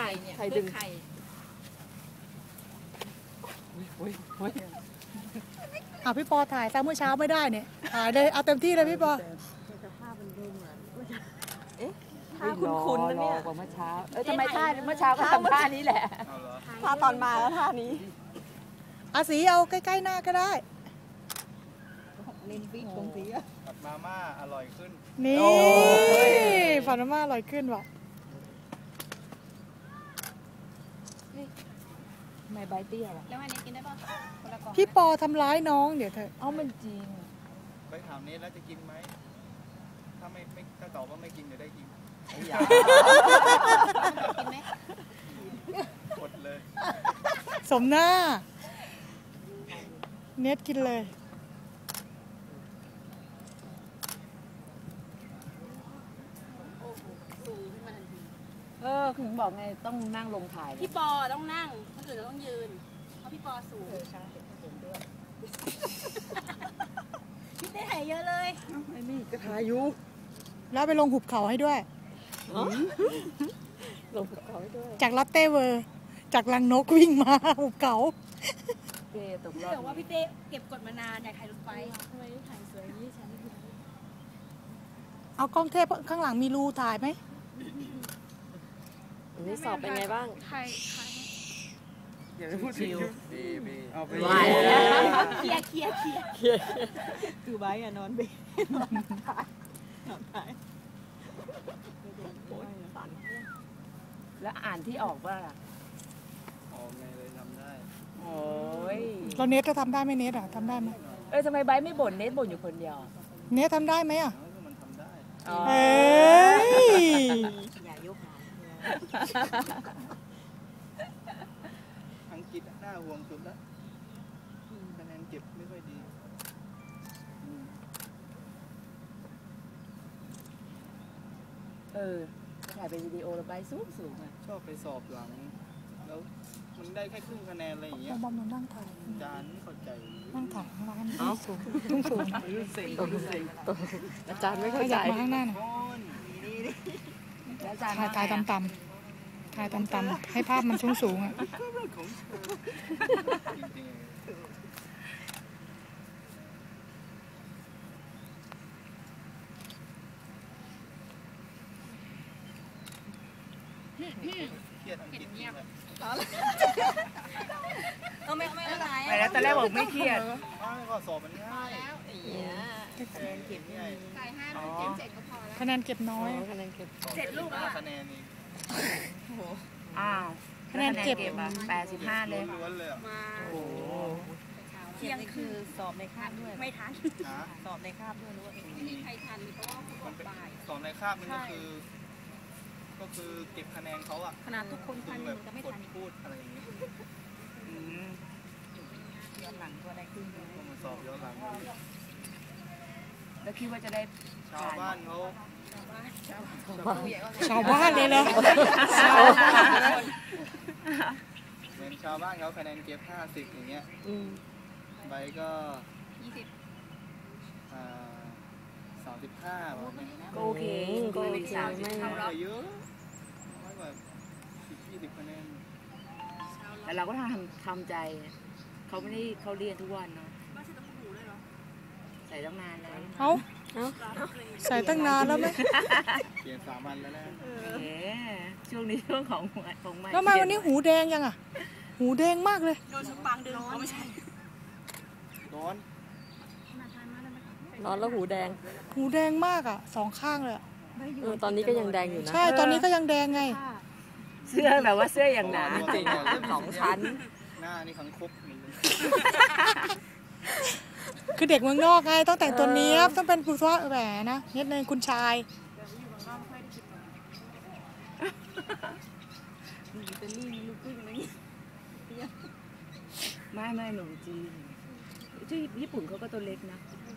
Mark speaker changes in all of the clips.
Speaker 1: เนี่ย
Speaker 2: ไข่ดึง
Speaker 1: ไข่
Speaker 3: พี่ปอถ่ายซะเมื่อเช้าไม่ได้เนี่ยถ่ายเลยเอาเต็มที่เลยพี่ปอ
Speaker 2: ท่าคุ้นๆนะเนี่ย
Speaker 4: กว่าเมื่อเช้าทำไมท่าเมื่อเช้าก็ทำท่านี้แหละ
Speaker 2: ท่าตอนมาแล้วท่านี้
Speaker 3: อาสีเอาใกล้ๆหน้าก็ได้
Speaker 5: ผัดมาม่าอร่อยขึ้น
Speaker 3: นี่ผัดมาม่าอร่อยขึ้นว่ะ
Speaker 4: ไม่ใบเตี้ยวะ
Speaker 1: แล้วอันนี้กินได้ป่ะคนละกล่อง
Speaker 3: พี่ปอทำร้ายน้องเดี๋ยวเถอะ
Speaker 4: เอามันจริง
Speaker 5: ไปถามเนทแล้วจะกินไหมถ้าถ้าตอบว่าไม่กินเดี๋ยวได้กิน
Speaker 1: กินไหม
Speaker 5: กดเลย
Speaker 3: สมหน้าเน็ตกินเลย
Speaker 4: ถึงบอกไงต้องนั่งลงถ่าย
Speaker 1: พี่ปอต้องนั่งคนอื่นต้องยืนเพราะพี่ปอสูงพี่เต้ถ่ายเยอะเลย
Speaker 2: ไม่มีกระทายุ
Speaker 3: แล้วไปลงหุบเขาให้ด้วย
Speaker 2: ลงเขาให้ด้วย
Speaker 3: จากลอตเต้เวอร์จากลังนกวิ่งมาหุบเขา
Speaker 4: เต้ตกรอบ
Speaker 1: เดี๋ยวว่าพี่เต้เก็บกดมานานอยากถ่ายรถไฟทำไมถ่ายสวยยี่ฉัน
Speaker 3: เอากล้องเทพข้างหลังมีรูถ่ายไหม
Speaker 2: นี่สอบเป็นไงบ้าง
Speaker 1: ถ่าย
Speaker 5: อย่าไปพูดถึงบีเอาไป
Speaker 1: เคลียร์
Speaker 2: คือไบอะนอนเบนอนถ่าย
Speaker 4: แล้วอ่านที่ออกว่า
Speaker 5: ออกไงเลยทำได้
Speaker 4: โอ้ย
Speaker 3: เราเน็ตจะทำได้ไหมเน็ตทำได้ไหม
Speaker 4: ทำไมใบไม่บ่นเน็ตบ่นอยู่คนเดียว
Speaker 3: เน็ตทำได้ไหม
Speaker 5: มันทำได้
Speaker 3: เอ้ย
Speaker 2: อย่ายกหาง
Speaker 5: อังกฤษน่าห่วงสุดแล้วคะแนนเก็บไม่ค่อยดี
Speaker 4: ถ่ายเป็นวิดีโอแล้วใบสูงอ่ะ
Speaker 5: ชอบไปสอบหลังแล้วมันได้แค่ครึ่งคะแนนอะไรอย่างเงี้ย
Speaker 3: บอมมันนั่งถ่าย
Speaker 5: อาจารย์ไม่เข้าใจ
Speaker 3: นั่งถ่ายข้างล่างสูงสูง
Speaker 2: อาจารย์ไม่
Speaker 3: ข
Speaker 2: เข้าใจ
Speaker 3: ยับมาข้างหน้าหน่อย
Speaker 4: แล้วอาจารย์
Speaker 3: ถ่ายต่ำถ่ายต่ำๆให้ภาพมันสูงอ่ะ
Speaker 5: จริงๆเครียดอังกฤษเงียบ
Speaker 1: ไม่ไหว
Speaker 4: ไปแล้วตอนแรกบอกไม่เครียด
Speaker 5: ก็สอบมันง่าย
Speaker 2: คะแนนเก็บง่าย
Speaker 1: จ่าย5เต็ม7ก็พอแล้ว
Speaker 3: คะแนนเก็บน้อย
Speaker 2: คะแนนเก็บ
Speaker 1: 7 ลูกแล้ว
Speaker 5: คะแนนนี่
Speaker 4: อ้าว
Speaker 3: คะแนนเก็บ
Speaker 4: 85เลย
Speaker 5: ล้วนเลย
Speaker 1: มา
Speaker 4: โอ้
Speaker 2: เที่ยงคือสอบในคาบด้วย
Speaker 1: ไม่ทัน
Speaker 2: สอบในคาบด้วยหรือว่า
Speaker 1: ไม่มีใครทันเพราะว่าเขาบอกบ่าย
Speaker 5: สอบในคาบมันก็คือเก็บคะแนนเขาอะ
Speaker 1: ขนาดทุกคนทัน
Speaker 5: แบบ
Speaker 1: จะไม่
Speaker 5: กด
Speaker 1: ทัน
Speaker 5: พูดอะไรอย่างเงี้ย
Speaker 4: ย้อนหลังก็ได้ขึ้น
Speaker 5: ก็มาสอบย้อนหลัง
Speaker 4: แล้วคิดว่าจะได้
Speaker 5: ชาวบ้านเขา
Speaker 3: ชาวบ้านเลยเหรอ
Speaker 5: เหมือนชาวบ้านเขาคะแนนเก็บ50อย่างเงี้ยใบก็
Speaker 1: 20
Speaker 5: 35แบบนี้
Speaker 4: ก็โอเคก็ไม่สาม
Speaker 5: ไม่เยอะน้อยกว่า10-20คะแนน
Speaker 4: แต่เราก็ทำใจเขาไม่ได้เขาเรียนทุกวันเนาะ
Speaker 1: บ้านใส่ต้มหูเลยเหรอ
Speaker 4: ใส่ตั้งนานแล้ว
Speaker 3: เอาใส่ตั้งนานแล้วไหม
Speaker 5: เปลี่ยน3 วันแล้วนะ
Speaker 4: ช่วงนี้ช่วงของใหม่
Speaker 3: แล้วมาวันนี้หูแดงยังอ่ะ หูแดงมากเลย
Speaker 1: โดนสปังดึงเขาไม่ใช่
Speaker 5: ร้อน
Speaker 2: ร้อนแล้วหูแดง
Speaker 3: หูแดงมากอ่ะ2 ข้างเลยอะ
Speaker 2: ตอนนี้ก็ยังแดงอยู่นะ
Speaker 3: ใช่ตอนนี้ก็ยังแดงไง
Speaker 4: เสื้อแบบว่าเสื้ออย่างหนา
Speaker 5: จริงๆ
Speaker 2: 2 ชั้น
Speaker 5: หน้านี่ขังคบ
Speaker 3: คือเด็กเมืองนอกไงต้องแต่งตัวเนี้ยบต้องเป็นผู้ว่าแหมนะนิดนึงคุณชาย
Speaker 4: ไม่หนุ่มจีนที่ญี่ปุ่นเขาก็ตัวเล็กนะ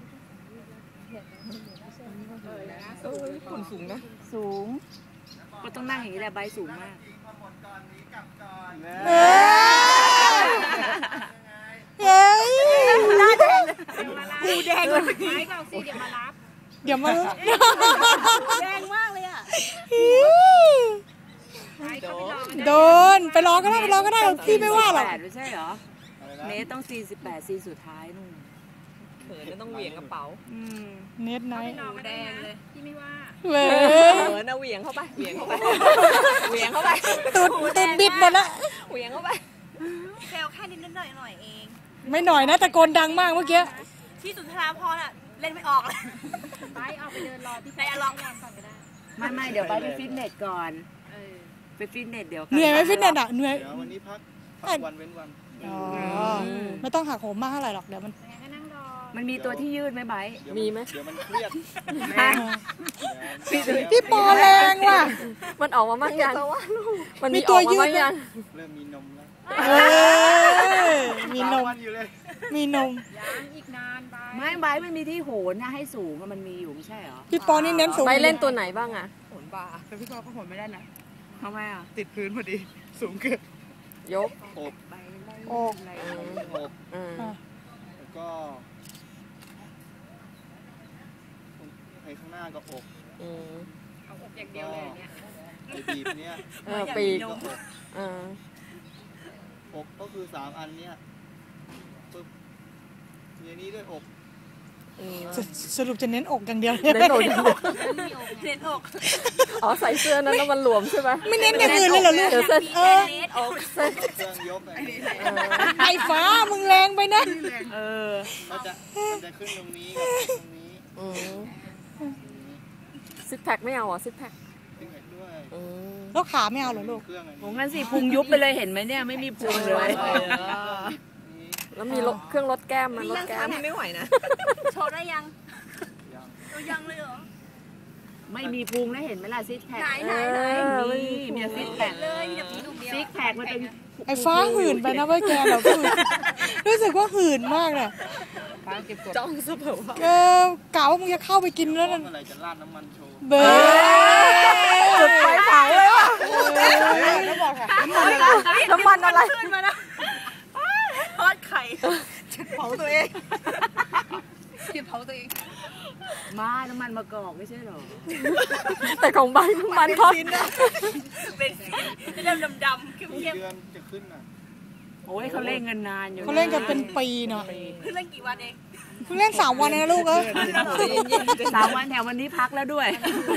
Speaker 2: ญี่ปุ่นสูงนะ
Speaker 4: สูงก็ต้องนั่งอย่างนี้แหละใบสูงมาก
Speaker 3: เฮ้ย
Speaker 1: หูแดงเลยไม่ก็สิเดี๋ยวมารับ
Speaker 3: เดี๋ยวมา
Speaker 1: แดงมากเลยอ่ะ
Speaker 3: โดนไปรอก็ได้ไปรอก็ได้พี่ไม่ว่าหรอก
Speaker 4: 48ไม่ใช่เหรอ
Speaker 5: อะไรนะ
Speaker 4: เนทต้อง48ซีสุดท้ายนู่น
Speaker 2: เขินก็ต้องเหวี่ยงกระเป๋า
Speaker 3: เน็ตไนท์
Speaker 1: หนูแดงเลยพี่ไม่ว่า
Speaker 3: เว้
Speaker 2: เขินนะเหวี่ยงเข้าไปเหวี่ยงเข้าไปเหวี่ยงเข้าไป
Speaker 3: ตุดบิดหมดละ
Speaker 2: เหวี่ยงเข้าไป
Speaker 1: แซวแค่นิดหน่อยเอง
Speaker 3: ไม่หน่อยนะตะโกนดังมากเมื่อกี้
Speaker 1: ที่สุนทราพรอ่ะเล่นไม่ออกเลยไปออกไปเดินรอที่ไหนลองก่อนก็ได้
Speaker 4: ไม่เดี๋ยวไปฟิตเนสก่อนไปฟิตเนสเดี๋ยว
Speaker 3: เหนื่อยไหมฟิตเนสอ่ะเหนื่อย
Speaker 5: เดี๋ยววันนี้พักวันเว้นวัน
Speaker 3: อ๋อไม่ต้องหักโหมมากเท่าไหร่หรอกเดี๋ยวมัน
Speaker 1: ก็นั่งรอ
Speaker 4: มันมีตัวที่ยืดไหมไบร์ท
Speaker 5: เดี๋ยว
Speaker 2: มีไหม
Speaker 5: เดี๋ยวมันเครียด
Speaker 3: พี่ปอแรงว่ะ
Speaker 2: มันออกมาบ้างยังมัน
Speaker 3: มี
Speaker 2: มี
Speaker 3: ตั
Speaker 2: อ
Speaker 3: ว
Speaker 2: อก
Speaker 3: ยื
Speaker 2: มา
Speaker 3: ด
Speaker 2: บ้างยัง
Speaker 5: เริ่มมีนมแล้ว
Speaker 3: เออมีนม
Speaker 5: วันอยู่เลย
Speaker 3: มีนม
Speaker 1: ยังอีกนานไป
Speaker 4: ไม่ไบร์ทมันมีที่โหนนะให้สูงอะมันมีอยู่ไม่ใช่เหรอ
Speaker 3: พี่ปอนี่เน้นสูง
Speaker 2: ไปเล่นตัวไหนบ้างอ่ะ
Speaker 5: ผลบ่า
Speaker 4: แต่พี่ปอก็โหนไม่ได้นะทำไมอ่ะ
Speaker 5: ติดพื้นพอดี สูงเกิน
Speaker 2: ยก
Speaker 5: อบ
Speaker 4: ไปไล่
Speaker 3: โอ้
Speaker 4: อะไร
Speaker 5: อบ
Speaker 2: อืม
Speaker 5: แล้วก็ไอ้ข้างหน้าก็อบ
Speaker 2: อืม
Speaker 1: เอาอกอย่างเดียวเลยเนี่ย
Speaker 5: ไอ้บีบเนี้ย
Speaker 2: ปีก
Speaker 5: ก็อบ
Speaker 2: อ่า
Speaker 5: อบก็คือ3อันเนี้ยปึ๊บทีนี้ด้วยอบ
Speaker 2: อืม
Speaker 3: สรุปจะเน้นอกอย่างเดียว
Speaker 2: เน้นอกอย่างเดียว
Speaker 1: เล่นอก
Speaker 2: อ๋อใส่เสื้อนั้นแล้วมันหลวมใช่ไหม
Speaker 3: ไม่เน้นอย่างอื่นเลยเหรอลูก
Speaker 2: เดี๋ยวเส้น
Speaker 3: เออ
Speaker 2: อกเส้น
Speaker 5: เครื่องยกอะไรนี้
Speaker 3: ไอ้ฟ้ามึงแรงไปนะ
Speaker 4: เออ
Speaker 5: มันจะขึ้นตรงนี้กับตรงนี้
Speaker 2: อืมซิกแพคไม่เอาเหรอซิกแพค
Speaker 5: ขึ้นไปด้วย
Speaker 2: อืม
Speaker 3: แล้วขาไม่เอาเหรอลูก
Speaker 5: เครื่องอัน
Speaker 4: โห
Speaker 5: นี้
Speaker 4: งั้นสิพุงยุบไปเลยเห็นไหมเนี่ยไม่มีพุงเลย
Speaker 5: นี้
Speaker 2: แล้วมีเครื่องลดแก้มมันลดแก้ม
Speaker 1: ไม่ไหวนะโชว์ได้ยัง
Speaker 5: ยัง
Speaker 1: เรายังเลยเหรอ
Speaker 4: ไม่มีพุงนะเห็นไหมล่ะซิกแพค
Speaker 1: ไหน
Speaker 4: มีซิกแพค
Speaker 1: เลยมีแต่ผีดุเดียว
Speaker 4: ซิกแพคมันเป็น
Speaker 3: ไอ้ฟ้าหื่นไปนะเว้ยแกเราหื่นรู้สึกว่าหื่นมากเลย
Speaker 2: จ้องซะแบบว่า
Speaker 3: กะว่ามึงจะเข้าไปกินแล้วนั่น
Speaker 5: เมื่อไหร่จะราดน้ำมันโชว์
Speaker 3: เบอร์
Speaker 2: จุดไฟเผาเลยว่ะน้ำมันอะไร
Speaker 1: ขึ้นมานะทอดไข่เผาตัวเองเผาตัวเอง
Speaker 4: ม้าน้ำมันมะกอกไม่ใช่เหรอ
Speaker 2: แต่ของใบน้ำมันทอด
Speaker 1: เป็นเริ่มดำๆ
Speaker 5: กี่
Speaker 1: เข้ม
Speaker 5: เดือนจะขึ้นอ่ะ
Speaker 4: โอ้ยเขาเล่นกันนานอยู่
Speaker 3: เขาเล่นกันเป็นปีเนาะ
Speaker 1: ๆขึ้นเล่นกี่วันเอง
Speaker 3: เพิ่งเล่น3 วันเองนะลูกเอ้ย
Speaker 4: 3 วันแถววันนี้พักแล้วด้วย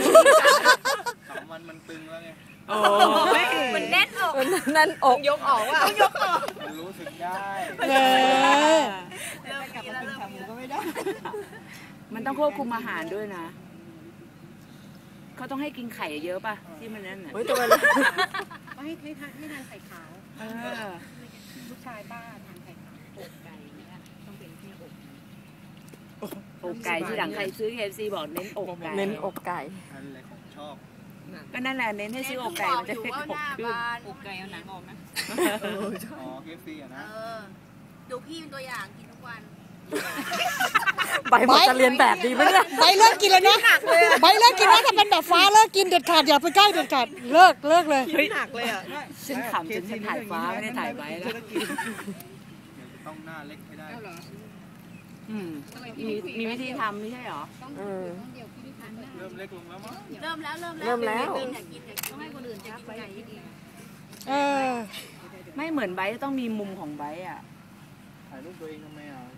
Speaker 5: 3 วันมันตึงแล้วไง
Speaker 4: โอ้
Speaker 1: มันแน่นอก
Speaker 2: นั่นอกยกออกว่ะ
Speaker 5: มันรู้สึกได้
Speaker 3: เออ
Speaker 1: เริ่มกลับมากินขาหมูก็ไม่ได้
Speaker 4: มันต้องควบคุมอาหารด้วยนะ เขาต้องให้กินไข่เยอะป่ะที่มันนั่นน่ะ
Speaker 2: เฮ้ยตัวมัน
Speaker 1: ให้ทานไข่ขาว
Speaker 4: เออ
Speaker 1: ลูกชายป้าทานไข่ขาวอกไก่เนี่ยต้องเป็นที่อก
Speaker 4: อกไก่ที่หลังใครซื้อ KFC บอกเน้นอกไก่
Speaker 2: เน้นอกไก่
Speaker 5: อันแหละของชอบ
Speaker 4: ก็นั่นแหละเน้นให้ซื้ออกไก่มันจะได้อกขึ้น
Speaker 1: อกไก่เอาหนังออกนะ
Speaker 5: อ๋อ KFC อ่ะนะ
Speaker 1: ดูพี่เป็นตัวอย่างกินทุกวัน
Speaker 2: ใบบอกจะเรียนแบบดีไหมเนี่ย
Speaker 3: ใบเลิกกินเลยนะใบเลิกกินนะถ้าเป็นแบบฟ้าเลิกกินเด็ดขาดอย่าไปใกล้เด็ดขาดเลิกเลย
Speaker 4: เฮ้ยหนักเลยอ่ะฉันขำจนฉันถ่ายฟ้าไม่ได้ถ่ายไว้แล้ว
Speaker 5: เดี๋ยวจะต้องหน้าเล็กให้ได้
Speaker 4: อืมมีวิธีทำไม่ใช่เหรอ
Speaker 2: อืม
Speaker 5: เริ่มเล็กลงแล้วมั้ง
Speaker 1: เริ่มแล้ว อยากกินต้องให้คนอื่นจับไปอย่างนี้ดี
Speaker 3: เออ
Speaker 4: ไม่เหมือนไบร์ทต้องมีมุมของไบร์ทอ่ะ
Speaker 5: ถ่ายรูปตัวเองทำไมอ่ะดู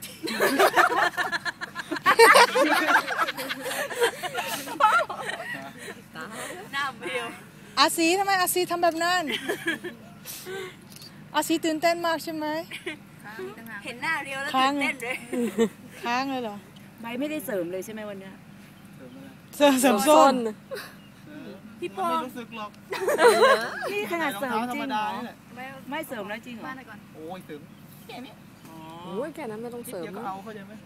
Speaker 1: หน้าเบล
Speaker 3: อาซีทำไมอาซีทำแบบนั้นอาซีตื่นเต้นมากใช่ไหม
Speaker 1: เห็นหน้าเรียวแล้วตื่นเต้นเลย
Speaker 3: ค้างเลยเหรอ
Speaker 4: ไบร์ทไม่ได้เสริมเลยใช่ไหมวันเนี้ย
Speaker 5: เสริมอะไร
Speaker 3: เสริมส้น
Speaker 1: พี่ป
Speaker 5: มัน
Speaker 1: อ
Speaker 5: ไม่รู้สึกหรอก
Speaker 4: นี่ขนาด
Speaker 5: รอง
Speaker 4: เสริม
Speaker 5: เท้าธ
Speaker 4: จ
Speaker 5: ร
Speaker 4: ริ
Speaker 5: รงม
Speaker 4: เหร
Speaker 5: ดา
Speaker 4: อ
Speaker 5: นี่แหละ
Speaker 4: ไม่เสริมแล้วจริงเหรอ
Speaker 1: บ้านก่อน
Speaker 5: โอ้ยเสริม
Speaker 4: อ๋อ
Speaker 2: โอ้ยแค่นั้นไม่ต้องเสริม
Speaker 5: เดี๋ยวก็เอาเข้าใจไหม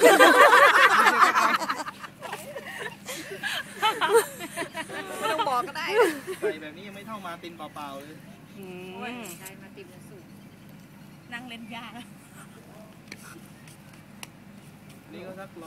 Speaker 1: ไม่ต้องบอกก็ได้
Speaker 5: ใส่แบบนี้ยังไม่เท่ามาตินเปล่าๆเลย
Speaker 4: อืม
Speaker 1: ใช่มาติมสูงนั่งเล่นยาก
Speaker 5: นี่ก็สัก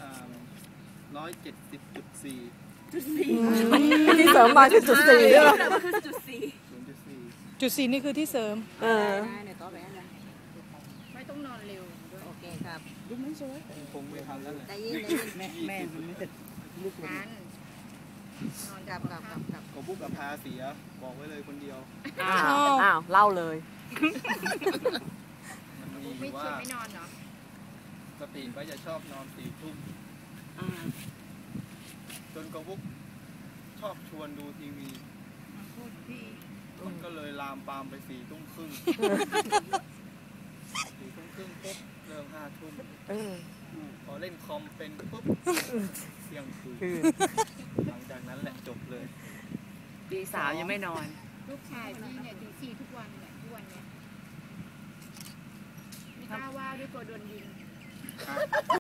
Speaker 5: 170.4
Speaker 2: ที่เสริมมาคือจุด4ด้วย
Speaker 1: จุดสี่
Speaker 5: 0.4
Speaker 3: จุด4นี่คือที่เสริม
Speaker 2: เออ
Speaker 1: ไม่ต้องนอนเร็วโอเคครับ
Speaker 5: คงไม่ทันแล้วแหละ
Speaker 1: ได้ยิน
Speaker 5: แม่มันไม่เสร็จลูก
Speaker 1: ทันกลับ
Speaker 5: กบุ๊กกับพาเสียบอกไว้เลยคนเดียว
Speaker 2: อ้าวเล่าเลย
Speaker 5: มันมี
Speaker 1: ไม่
Speaker 5: ว่า
Speaker 1: ชวนไม่นอนเหรอ
Speaker 5: สติก็จะชอบนอน4 ทุ่ม
Speaker 4: อ่า
Speaker 5: จนกบุ๊กชอบชวนดูทีวี
Speaker 1: พูดพี่
Speaker 5: มันก็เลยลามปามไป4 ทุ่มครึ่ง 4 ทุ่มครึ่งปุ๊บเริ่ม5 ทุ่มพอเล่นคอมเป็นปุ๊บเที่ยงคืนหลังจากนั้นแหละจบเลย
Speaker 4: ตีสามยังไม่นอน
Speaker 1: ลูกชายพี่เนี่ยตี4ทุกวันเนี่ยทุกวันเนี่ยไม่กล้าว่าด้วยกลัวโดนยิง